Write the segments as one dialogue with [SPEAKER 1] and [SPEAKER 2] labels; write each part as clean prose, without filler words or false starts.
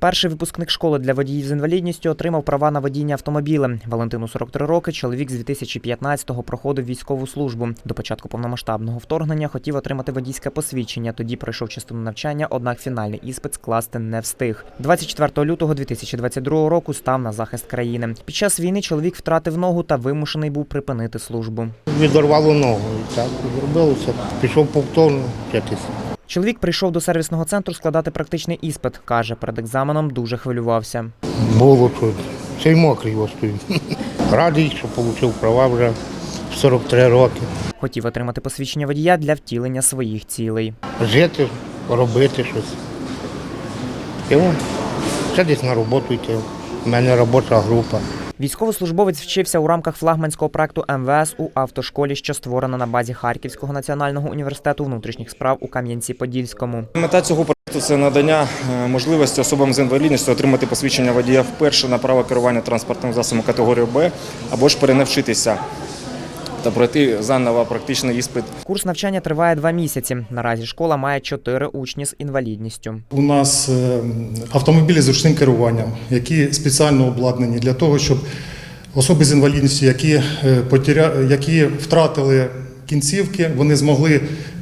[SPEAKER 1] Перший випускник школи для водіїв з інвалідністю отримав права на водіння автомобілем. Валентину 43 роки, чоловік з 2015-го проходив військову службу. До початку повномасштабного вторгнення хотів отримати водійське посвідчення, тоді пройшов частину навчання, однак фінальний іспит скласти не встиг. 24 лютого 2022 року став на захист країни. Під час війни чоловік втратив ногу та вимушений був припинити службу.
[SPEAKER 2] Відорвало ногу, так, зробилося, пішов повторно вчитися.
[SPEAKER 1] Чоловік прийшов до сервісного центру складати практичний іспит. Каже, перед екзаменом дуже хвилювався.
[SPEAKER 2] Було чуть, ще й мокрий стою. Радий, що отримав права вже в 43 роки.
[SPEAKER 1] Хотів отримати посвідчення водія для втілення своїх цілей.
[SPEAKER 2] Жити, робити щось. І ще десь на роботу йти. У мене робоча група.
[SPEAKER 1] Військовослужбовець вчився у рамках флагманського проекту МВС у автошколі, що створена на базі Харківського національного університету внутрішніх справ у Кам'янці-Подільському.
[SPEAKER 3] Мета цього проекту – це надання можливості особам з інвалідністю отримати посвідчення водія вперше на право керування транспортним засобом категорії Б або ж перенавчитися та пройти заново практичний іспит.
[SPEAKER 1] Курс навчання триває 2 місяці. Наразі школа має 4 учні з інвалідністю.
[SPEAKER 4] У нас автомобілі з ручним керуванням, які спеціально обладнані для того, щоб особи з інвалідністю, які втратили кінцівки, вони змогли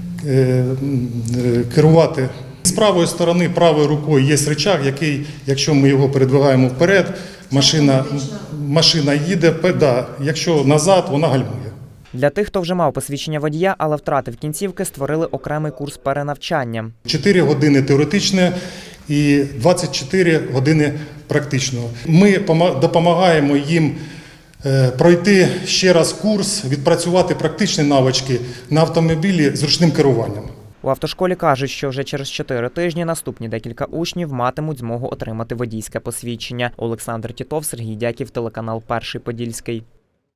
[SPEAKER 4] керувати. З правої сторони, правою рукою є рычаг, який, якщо ми його передвигаємо вперед, машина їде, якщо назад, вона гальмує.
[SPEAKER 1] Для тих, хто вже мав посвідчення водія, але втратив кінцівки, створили окремий курс перенавчання.
[SPEAKER 4] 4 години теоретичне і 24 години практичного. Ми допомагаємо їм пройти ще раз курс, відпрацювати практичні навички на автомобілі з ручним керуванням.
[SPEAKER 1] У автошколі кажуть, що вже через 4 тижні наступні декілька учнів матимуть змогу отримати водійське посвідчення. Олександр Тітов, Сергій Дяків, телеканал «Перший Подільський».